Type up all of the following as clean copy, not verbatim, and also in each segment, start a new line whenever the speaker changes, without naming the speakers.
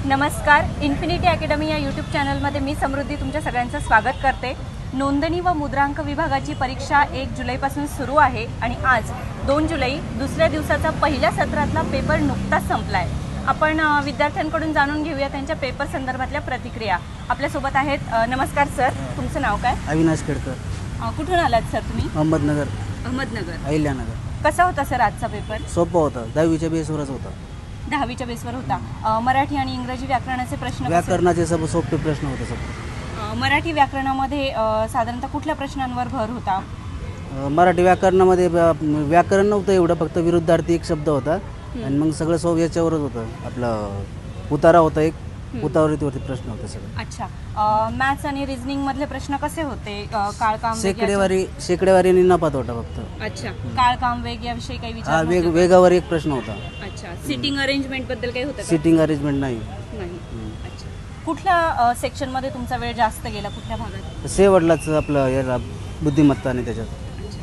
नमस्कार, infinity academy या YouTube चॅनलमध्ये मी समृद्धी तुमच्या सगळ्यांचं स्वागत करते। नोंदणी व मुद्रांक विभागाची परीक्षा 1 जुलैपासून सुरू आहे आणि आज 2 जुलै दुसऱ्या दिवसाचा पहिल्या सत्रातला पेपर नुकताच संपला आहे। आपण विद्यार्थ्यांकडून जाणून घेऊया त्यांच्या पेपर संदर्भातल्या प्रतिक्रिया। आपल्यासोबत आहेत। नमस्कार सर, तुमचं नाव काय?
अविनाश खेडकर।
कुठून आलात सर तुम्ही? अहमदनगर।
अहिल्यानगर।
कसा होता सर आजचा पेपर?
सोपा होता, 10वीच्या बेसवरच होता।
10वीच्या बेसवर होता। मराठी आणि इंग्रजी व्याकरणाचे प्रश्न
व्याकरणाचे सब सोपे प्रश्न होते सब।
मराठी व्याकरणामध्ये साधारणतः कुठल्या प्रश्नांवर भर होता?
मराठी व्याकरणामध्ये व्याकरण नव्हतं एवढं, फक्त विरुद्धार्थी एक शब्द होता आणि मग सगळं याच्यावरच होतं। आपलं उतारा होता, एक उतावरीवरती प्रश्न होते सगळे।
अच्छा, मॅथ्स आणि रिझनिंग मधले प्रश्न कसे होते? काळकाम,
शेकडेवारी आणि नपात होता फक्त।
अच्छा, काळकाम वेग याविषयी काही विचार?
वेगावर एक प्रश्न होता।
अच्छा, सिटिंग अरेंजमेंट बद्दल काही होतं?
सिटिंग अरेंजमेंट नाही।
अच्छा, कुठल्या सेक्शन मध्ये तुमचा वेळ जास्त गेला? कुठल्या भागात?
शेवटलाच आपलं याला बुद्धिमत्ता आणि त्याच्यात।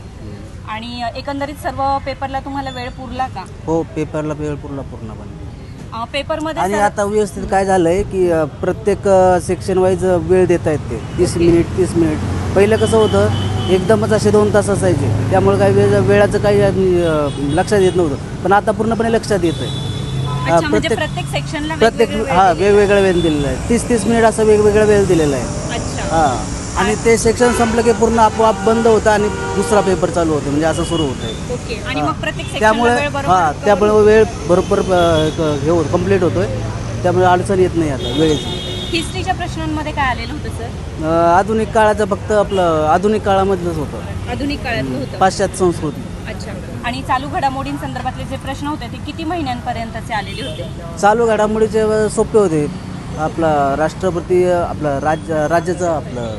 आणि एकंदरीत सर्व पेपरला तुम्हाला वेळ पुरला का?
हो, पेपरला वेळ पुरला पूर्णपणे।
पेपरमध्ये
आणि आता व्यवस्थित काय झालंय की प्रत्येक सेक्शन वाईज वेळ देता येते, 30 मिनिट। पहिलं कसं होतं, एकदमच असे 2 तास असायचे, त्यामुळे काही वेळाचं काही लक्षात येत नव्हतं, पण आता पूर्णपणे लक्षात येतंय।
प्रत्येक सेक्शनला
वेगवेगळा वेळ दिलेला आहे, 30 मिनिट असं वेगवेगळा वेळ दिलेला आहे।
अच्छा,
आणि ते सेक्शन संपलं की पूर्ण आपोआप बंद होतं आणि दुसरा पेपर चालू होतो, म्हणजे असं सुरू होतंय।
ओके, आणि मग प्रत्येक
त्यामुळे वेळ बरोबर हे होत कंप्लीट होतोय, त्यामुळे अडचण येत नाही आता वेळेची।
हिस्ट्रीच्या प्रश्नांमध्ये काय आलेलं होतं सर?
आधुनिक काळाचं फक्त आपलं आधुनिक काळामधलंच होतं,
आधुनिक काळातलं होतं।
पाश्चात्य संस्कृती।
अच्छा, आणि चालू घडामोडींसंदर्भातले जे प्रश्न होते ते किती महिन्यांपर्यंतचे आलेले होते?
चालू घडामोडीचे सोपे होते। आपला राष्ट्रपती, आपला राज्याचा आपलं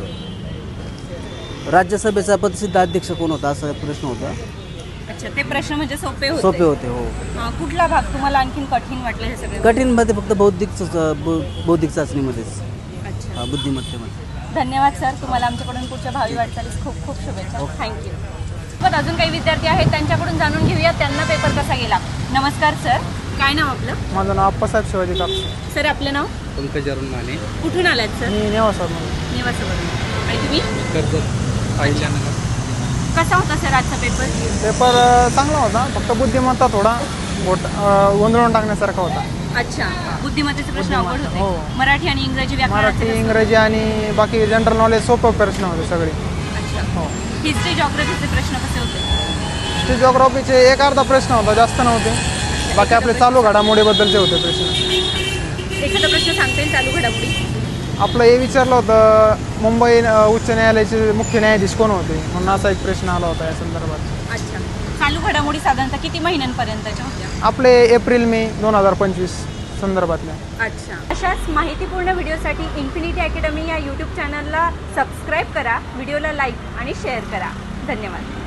राज्यसभेचा पदसिद्ध अध्यक्ष कोण होता, असा प्रश्न होता।
अच्छा, ते प्रश्न म्हणजे सोपे
होते हो।
कुठला भाग तुम्हाला आणखीन कठीण वाटलं? हे सगळे
कठीण मध्ये फक्त बौद्धिक चाचणीमध्येच। अच्छा, बुद्धिमत्तेमध्ये।
धन्यवाद सर, तुम्हाला आमच्याकडून पुढच्या भावी वाटचालीस खूप खूप शुभेच्छा। थँक्यू। पण अजून काही विद्यार्थी आहेत, त्यांच्याकडून जाणून घेऊया त्यांना पेपर कसा गेला। नमस्कार सर, काय नाव आपलं?
माझं नाव अप्पासाहेब शिवाजी कापसे।
सर आपलं नाव?
पंकज अरुण माने।
कुठून आलात सर?
मी नेवासावरून।
नेवासावरून। आणि तुम्ही?
अहिल्यानगर।
कसा होता सर आजचा पेपर?
पेपर चांगला होता, फक्त बुद्धिमत्ता थोडा गोंधळून टाकण्यासारखा होता।
अच्छा, बुद्धिमत्तेचे प्रश्न अवघड होते।
हो।
मराठी आणि इंग्रजी
मराठी, इंग्रजी आणि बाकी जनरल नॉलेज सोपे प्रश्न होते सगळे।
अच्छा,
हो।
हिस्ट्री जॉग्राफीचे प्रश्न कसे होते?
हिस्ट्री जॉग्राफीचे एक अर्धा प्रश्न होता, जास्त नव्हते। बाकी आपले चालू घडामोडीबद्दलचे होते प्रश्न।
एखादा प्रश्न सांगता येईल चालू घडामोडी?
आपलं हे विचारलं होतं, मुंबई उच्च न्यायालयाचे मुख्य न्यायाधीश कोण होते, म्हणून असा एक प्रश्न आला होता या संदर्भात।
अच्छा, चालू घडामोडी साधारणतः किती महिन्यांपर्यंतच्या होत्या?
आपले एप्रिल-मे 2025 संदर्भातल्या।
अच्छा, अशाच माहितीपूर्ण व्हिडिओसाठी इन्फिनिटी अकॅडमी या यूट्यूब चॅनलला सबस्क्राईब करा, व्हिडिओला लाईक आणि शेअर करा। धन्यवाद।